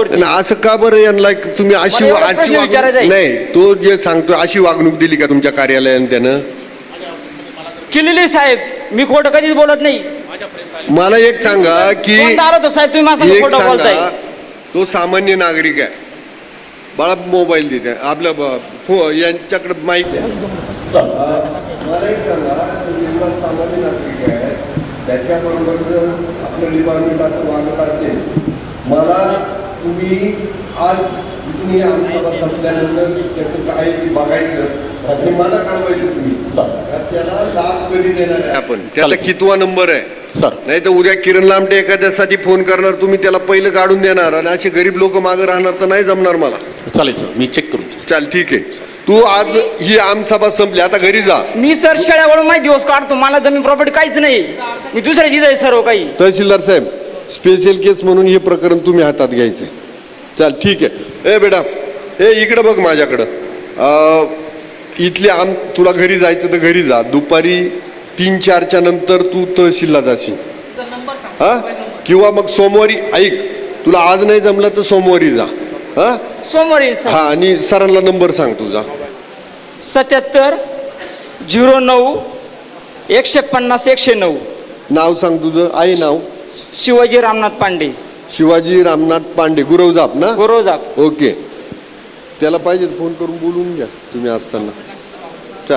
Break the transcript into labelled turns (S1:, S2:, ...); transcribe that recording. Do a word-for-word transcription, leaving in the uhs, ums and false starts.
S1: वरती.
S2: असं का बरं यांना तुम्ही अशी
S1: मला एवढा
S2: अशी
S1: प्रश्न
S2: वागणूक
S1: विचारायचा आहे.
S2: नाही, तो जे सांगतो अशी वागणूक दिली का तुमच्या कार्यालयाने त्यानं?
S1: केलेली साहेब, मी खोटं कधीच बोलत नाही.
S2: मला एक सांगा की
S1: कोणता आला होता साहेब, तुम्ही माझं
S2: एक
S1: खोटं बोलताय.
S2: सांगा, तो सामान्य नागरिक आहे, बाळा मोबाईल देते आपल्या ब- फो- यांच्याकडे माईक आहे. मला एक सांगा, तो निर्मल सामान्य नागरिक आहे, त्याच्याबरोबर जर आपलं डिपार्टमेंट असं वागत असेल, मला तुम्ही आज तुम्ही आमचा संपल्यानंतर त्याचं काय ते बघायचं आणि मला कळवायचं तुम्ही त्याला लाभ कधी देणार आहे आपण, त्याचा कितवा नंबर आहे
S3: सर.
S2: नाही तर उद्या किरण लांबटे एखाद्यासाठी फोन करणार, तुम्ही त्याला पहिलं काढून देणार आणि असे गरीब लोक मागे राहणार, तर नाही जमणार मला.
S3: चालेल सर, मी चेक करून.
S2: चाल ठीक आहे, तू आज ही आमसभा संपली, आता घरी जा.
S1: मी सर शेळ्यावरून माहिती दिवस काढतो, मला जमीन प्रॉपर्टी काहीच नाही, मी दुसऱ्या जिथे सर्व काही.
S2: तहसीलदार साहेब, स्पेशल केस म्हणून हे प्रकरण तुम्ही हातात घ्यायचे. चाल ठीक आहे. ए बेटा, ए इकडं बघ माझ्याकडं. अं, इथले आम तुला घरी जायचं तर घरी जा, दुपारी तीन चारच्या नंतर तू तहसीलला जाशील हा, किंवा मग सोमवारी ऐक, तुला आज नाही जमलं तर सोमवारी जा हा.
S1: सोमवारी
S2: हा, आणि सरांना नंबर सांग तुझा.
S1: सत्याहत्तर झिरो नऊ एकशे पन्नास एकशे नऊ.
S2: नाव सांग तुझं, आई नाव.
S1: शिवाजी रामनाथ पांडे.
S2: शिवाजी रामनाथ पांडे, गुरवजाप ना.
S1: गुरवजाप.
S2: ओके, त्याला पाहिजे फोन करून बोलून घ्या तुम्ही असताना.